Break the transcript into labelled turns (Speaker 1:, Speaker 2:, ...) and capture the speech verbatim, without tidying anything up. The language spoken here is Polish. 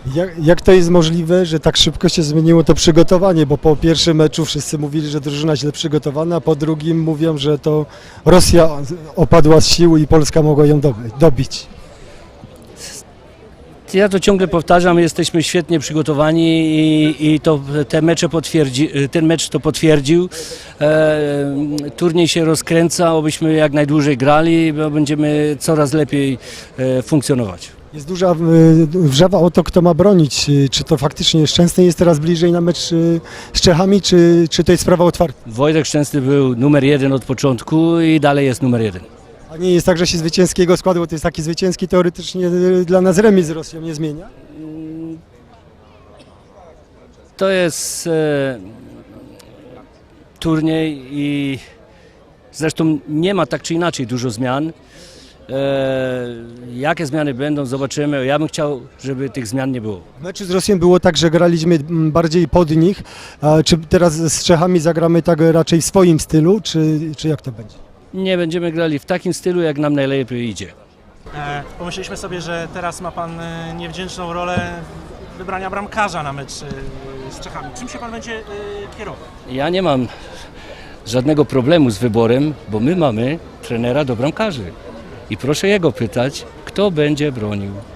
Speaker 1: Jak, jak to jest możliwe, że tak szybko się zmieniło to przygotowanie? Bo po pierwszym meczu wszyscy mówili, że drużyna źle przygotowana, a po drugim mówią, że to Rosja opadła z sił i Polska mogła ją dobić.
Speaker 2: Ja to ciągle powtarzam, jesteśmy świetnie przygotowani i, i to, te mecze potwierdzi, ten mecz to potwierdził. E, turniej się rozkręca, obyśmy jak najdłużej grali, bo będziemy coraz lepiej e, funkcjonować.
Speaker 1: Jest duża wrzawa o to, kto ma bronić. Czy to faktycznie Szczęsny jest teraz bliżej na mecz z Czechami, czy, czy to jest sprawa otwarta?
Speaker 2: Wojtek Szczęsny był numer jeden od początku i dalej jest numer jeden.
Speaker 1: A nie jest tak, że się zwycięskiego składu, bo to jest taki zwycięski, teoretycznie dla nas remis z Rosją nie zmienia?
Speaker 2: To jest e, turniej i zresztą nie ma tak czy inaczej dużo zmian. E, jakie zmiany będą, zobaczymy. Ja bym chciał, żeby tych zmian nie było.
Speaker 1: W meczu z Rosją było tak, że graliśmy bardziej pod nich. A czy teraz z Czechami zagramy tak raczej w swoim stylu, czy, czy jak to będzie?
Speaker 2: Nie będziemy grali w takim stylu, jak nam najlepiej idzie.
Speaker 3: E, pomyśleliśmy sobie, że teraz ma Pan e, niewdzięczną rolę wybrania bramkarza na mecz e, z Czechami. Czym się Pan będzie e, kierował?
Speaker 2: Ja nie mam żadnego problemu z wyborem, bo my mamy trenera do bramkarzy. I proszę jego pytać, kto będzie bronił.